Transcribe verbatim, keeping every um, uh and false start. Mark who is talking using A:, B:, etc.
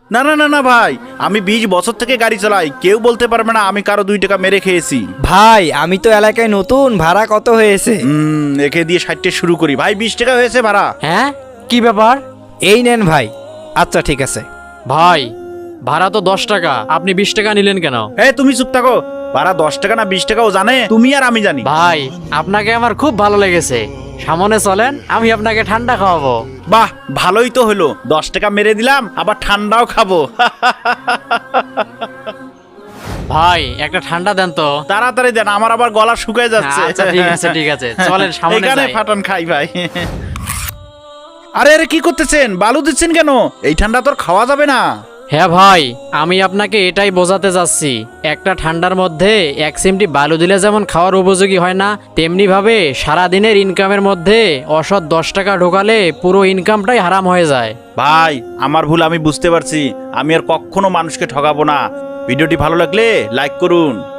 A: না না না না ভাই, আমি বিশ বছর থেকে গাড়ি চালাই, কেউ বলতে পারবে না আমি কারো দুই টাকা মেরে খেয়েছি।
B: ভাই আমি তো এলাকায় নতুন, ভাড়া কত হয়েছে?
A: হুম একে দিয়ে ষাটটে শুরু করি ভাই, বিশ টাকা হয়েছে ভাড়া।
C: হ্যাঁ কি ব্যাপার?
B: এই নেন ভাই। আচ্ছা ঠিক আছে।
C: ভাই ভাড়া তো দশ টাকা, আপনি বিশ টাকা নিলেন কেন?
A: এই তুমি চুপ থাকো, ভাড়া দশ টাকা না বিশ টাকাও জানে তুমি আর আমি জানি।
C: ভাই আপনাকে আমার খুব ভালো লেগেছে, সামনে চলেন আমি আপনাকে ঠান্ডা খাওয়াবো।
A: বাহ ভালোই তো হলো, দশ টাকা মেরে দিলাম আবার ঠান্ডাও খাবো।
C: ভাই একটা ঠান্ডা দেন তো।
A: তাড়াতাড়ি দেন, আমার আবার গলা শুকায় যাচ্ছে।
C: আচ্ছা ঠিক আছে ঠিক আছে, চলেন সামনে
A: এখানে
C: যাই।
A: ফাটান খাই ভাই। আরে আরে কি করতেছেন, বালু দিচ্ছেন কেন? এই ঠান্ডা তোর খাওয়া যাবে না।
C: হ্যাঁ ভাই আমি আপনাকে এটাই বোঝাতে যাচ্ছি, একটা ঠান্ডার মধ্যে এক চিমটি বালু দিলে যেমন খাওয়ার উপযোগী হয় না, তেমনি ভাবে সারাদিনের ইনকামের মধ্যে অসৎ দশ টাকা ঢোকালে পুরো ইনকামটাই হারাম হয়ে যায়।
A: ভাই আমার ভুল আমি বুঝতে পারছি, আমি আর কখনো মানুষকে ঠকাবো না। ভিডিওটি ভালো লাগলে লাইক করুন।